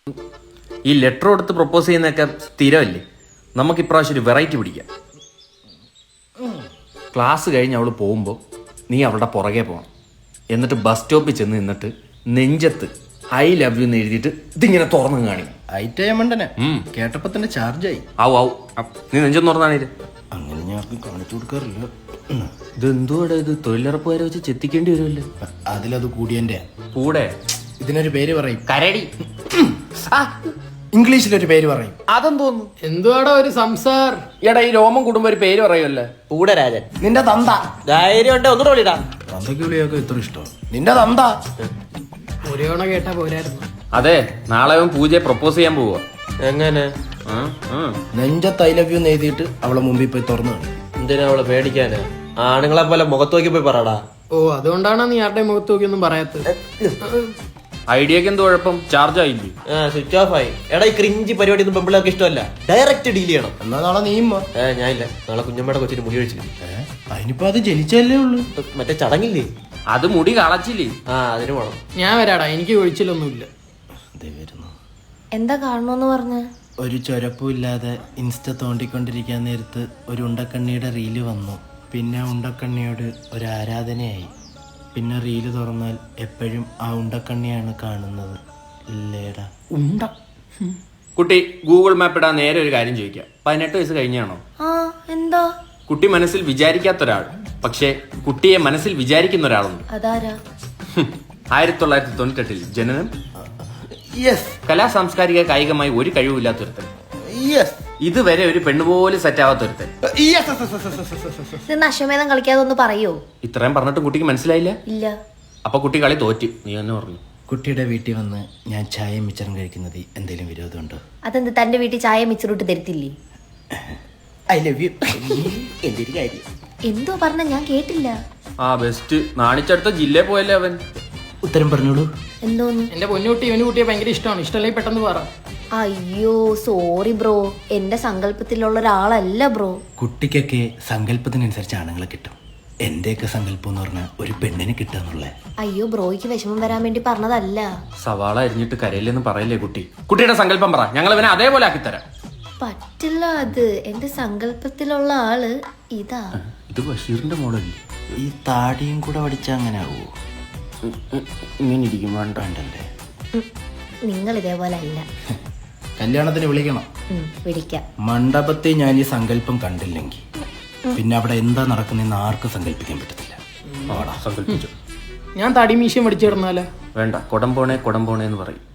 ഈ ലെറ്റർ കൊടുത്ത് പ്രപ്പോസ് ചെയ്യുന്നതൊക്കെ സ്ഥിരമല്ലേ, നമുക്ക് ഇപ്രാവശ്യം ഒരു വെറൈറ്റി പിടിക്കാം. ക്ലാസ് കഴിഞ്ഞ് അവൾ പോകുമ്പോൾ നീ അവളുടെ പുറകെ പോകണം. എന്നിട്ട് ബസ് സ്റ്റോപ്പിൽ ചെന്ന് നിന്നിട്ട് നെഞ്ചത്ത് ഐ ലവ് യു എന്ന് എഴുതിയിട്ട് ഇതിങ്ങനെ തുറന്നു കാണിക്കും. ഐറ്റമണ്ടനെ കേട്ടപ്പോ തന്നെ ചാർജായി. ആവും നീ നെഞ്ചൊന്ന് തുറന്നാണേ. അങ്ങനെ ഞാൻ ആർക്കും കാണിച്ചു കൊടുക്കാറില്ല. ഇതെന്തുവാടെ ഇത്, തൊഴിലുറപ്പുകാരെ വെച്ച് ചെത്തിക്കേണ്ടി വരുമല്ലോ. അതിലത് കൂടിയന്റെ കൂടെ ഇതിനൊരു പേര് പറയും, കരടി. ഇംഗ്ലീഷിലൊരു പേര് പറയും. അതെന്തോന്നു, എന്തുവാടാ ഒരു സംസാർ? എടാ ഈ രോമം കൂടുമ്പോ ഒരു പേര് പറയുമല്ലേ. പൂടരാജൻ. നിന്റെ തന്ത. ധൈര്യം ഉണ്ട്, ഒന്നുകൂടെ വിളിടാ. തന്തയ്ക്ക് വിളിയൊക്കെ ഇത്ര ഇഷ്ടം. നിന്റെ തന്ത. ഒരു തവണ കേട്ടാ പോരായിരുന്നു. അതെ, നാളെ അവൻ പൂജയെ പ്രപ്പോസ് ചെയ്യാൻ പോവാ. എങ്ങനെ? നെഞ്ചത്ത് ഐ ലവ് യു എന്ന് എഴുതിയിട്ട് അവളെ മുമ്പിൽ പോയി തുറന്നു കാണും. എന്തിനാ അവളെ പേടിക്കാന്? ആണുങ്ങളെ പോലെ മുഖത്ത് നോക്കി പോയി പറടാ. ഓ, അതുകൊണ്ടാണ് നീ ആരുടെ മുഖത്ത് നോക്കിയൊന്നും പറയാത്തത്. ഐഡിയക്ക് എന്ത് കുഴപ്പം, ചാർജ് ആയില്ലേ? സ്വിച്ച് ഓഫ് ആയി. എടാ ഈ ക്രിഞ്ചി പരിപാടി ഒന്നും പെമ്പിള്ളേർക്ക് ഇഷ്ടമല്ല. ഡയറക്റ്റ് ഡീൽ ചെയ്യണം. എന്നാ നാളെ നീയും വാ. ഞാനില്ല, നാളെ കുഞ്ഞമ്മയുടെ കൊച്ചിന് മുടി ഒഴിച്ചില്ല. അതിനിപ്പോ അത് ജനിച്ചല്ലേ ഉള്ളു. മറ്റേ ചടങ്ങില്ലേ, അത് മുടി കളച്ചില്ലേ? അതിന് വേണം. ഞാൻ വരാടാ, എനിക്ക് ഒഴിച്ചിലൊന്നുമില്ല. എന്താ കാണണോന്ന് പറഞ്ഞ? ഒരു ചൊരപ്പുമില്ലാതെ ഇൻസ്റ്റ തോണ്ടിക്കൊണ്ടിരിക്കാൻ നേരത്ത് ഒരു ഉണ്ടക്കണ്ണിയുടെ റീല് വന്നു. പിന്നെ ഉണ്ടക്കണ്ണിയോട് ഒരു ആരാധനയായി. പിന്നെ റീല് തുറന്നാൽ എപ്പോഴും ആ ഉണ്ടക്കണ്ണിയാണ് കാണുന്നത്. ഇല്ലേടാ ഉണ്ട. കുട്ടി ഗൂഗിൾ മാപ്പ് ഇടാൻ നേരെ ഒരു കാര്യം ചോദിക്കാം, 18 വയസ്സ് കഴിഞ്ഞാണോ? ആ, എന്താ? കുട്ടി മനസ്സിൽ വിചാരിക്കാത്ത ഒരാൾ, പക്ഷേ കുട്ടിയെ മനസ്സിൽ വിചാരിക്കുന്ന ഒരാളുണ്ട്. അതാരാ? 1998 ജനനം, യെസ് കലാ സാംസ്കാരിക കായികമായി ഒരു കഴിവില്ലാത്തൊരുത്തൻ, യെസ് ഇതുവരെ ഒരു പെണ്ണുപോലെ സെറ്റ് ആവാത്തൊരുത്തൻ. ഇത് നശമേധം കളിക്കാതെ ഒന്ന് പറയോ? ഇത്രയും പറഞ്ഞിട്ട് കുട്ടിക്ക് മനസ്സിലായില്ല? ഇല്ല. അപ്പൊ കുട്ടി കളി തോറ്റ്, നീ തന്നെ പറഞ്ഞു. കുട്ടിയുടെ വീട്ടിൽ വന്ന് ഞാൻ ചായ മിച്ചറും കഴിക്കുന്നത് എന്തെങ്കിലും വിരോധമുണ്ടോ? അതെന്ത്, തന്റെ വീട്ടിൽ ചായ മിച്ചറിട്ട് തരത്തില്ലേ? I love you. എന്തൊരു കാര്യം. എന്തോ പറഞ്ഞ ഞാൻ കേട്ടില്ല. ആ ബെസ്റ്റ്, നാണിച്ചടുത്ത ജില്ലയിൽ പോയല്ലേ അവൻ. ഉത്തരം പറഞ്ഞോളൂ. എന്തോന്ന്? എന്റെ പൊന്നുകുട്ടി ഇവന് കുട്ടിയെ ഭയങ്കര ഇഷ്ടമാണ്. ഇഷ്ടമല്ലെങ്കിൽ പെട്ടെന്ന് പറ. അയ്യോ സോറി ബ്രോ, എന്റെ സങ്കല്പത്തിലുള്ള ഒരാളല്ല ബ്രോ. കുട്ടിക്കൊക്കെ സങ്കല്പത്തിനനുസരിച്ച് ആണുങ്ങളെ കിട്ടും. എന്റെയൊക്കെ സങ്കല്പം എന്ന് പറഞ്ഞാൽ ഒരു പെണ്ണിനെ കിട്ടാന്നുള്ളേ. അയ്യോ ബ്രോയ്ക്ക് വിഷമം വരാൻ വേണ്ടി പറഞ്ഞതല്ല. സവാള അരിഞ്ഞിട്ട് കരയില്ലെന്ന് പറയല്ലേ കുട്ടി. കുട്ടിയുടെ സങ്കല്പം പറ, ഞങ്ങൾ ഇവനെ അതേപോലെ ആക്കിത്തരാം. പറ്റില്ല, അത് എന്റെ സങ്കല്പത്തിലുള്ള ആള് ഇതാ. ഇത് ബഷീറിന്റെ മോഡല്ലേ? ഈ താടിയും കൂടെ പഠിച്ചാ അങ്ങനെ ആവുമോ? ഇങ്ങനെ ഇരിക്കും, വേണ്ടല്ലേ. നിങ്ങൾ ഇതേപോലെ അല്ല. കല്യാണത്തിന് വിളിക്കണം. വിളിക്കാം. മണ്ഡപത്തിൽ ഞാൻ ഈ സങ്കല്പം കണ്ടില്ലെങ്കിൽ പിന്നെ അവിടെ എന്താ നടക്കുന്നതെന്ന് ആർക്കും സങ്കല്പിക്കാൻ പറ്റത്തില്ല. സങ്കല്പിച്ചു. ഞാൻ തടി മീശയും പഠിച്ചിടുന്നാലോ? വേണ്ട, കൊടംപോണേ എന്ന് പറയും.